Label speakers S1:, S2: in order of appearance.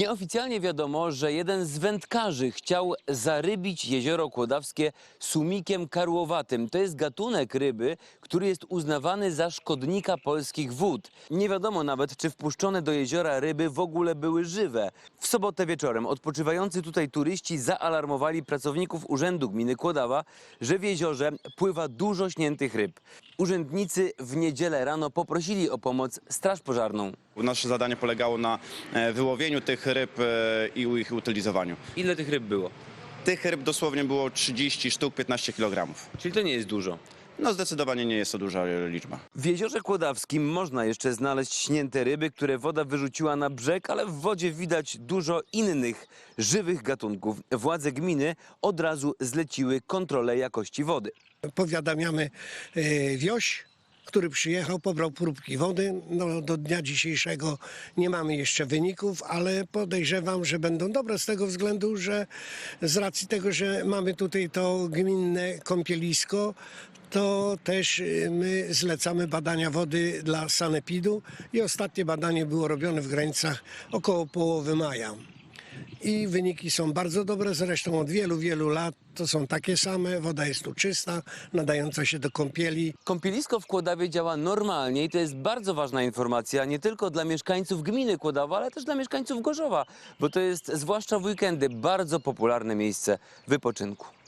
S1: Nieoficjalnie wiadomo, że jeden z wędkarzy chciał zarybić jezioro kłodawskie sumikiem karłowatym. To jest gatunek ryby, który jest uznawany za szkodnika polskich wód. Nie wiadomo nawet, czy wpuszczone do jeziora ryby w ogóle były żywe. W sobotę wieczorem odpoczywający tutaj turyści zaalarmowali pracowników Urzędu Gminy Kłodawa, że w jeziorze pływa dużo śniętych ryb. Urzędnicy w niedzielę rano poprosili o pomoc straż pożarną.
S2: Nasze zadanie polegało na wyłowieniu tych ryb i ich utylizowaniu.
S1: Ile tych ryb było?
S2: Tych ryb dosłownie było 30 sztuk, 15 kg.
S1: Czyli to nie jest dużo.
S2: No zdecydowanie nie jest to duża liczba.
S1: W jeziorze kłodawskim można jeszcze znaleźć śnięte ryby, które woda wyrzuciła na brzeg, ale w wodzie widać dużo innych żywych gatunków. Władze gminy od razu zleciły kontrolę jakości wody.
S3: Powiadamiamy wioś, który przyjechał, pobrał próbki wody. No, do dnia dzisiejszego nie mamy jeszcze wyników, ale podejrzewam, że będą dobre z tego względu, że z racji tego, że mamy tutaj to gminne kąpielisko, to też my zlecamy badania wody dla sanepidu i ostatnie badanie było robione w granicach około połowy maja. I wyniki są bardzo dobre, zresztą od wielu, wielu lat to są takie same. Woda jest tu czysta, nadająca się do kąpieli.
S1: Kąpielisko w Kłodawie działa normalnie i to jest bardzo ważna informacja nie tylko dla mieszkańców gminy Kłodawa, ale też dla mieszkańców Gorzowa, bo to jest zwłaszcza w weekendy bardzo popularne miejsce wypoczynku.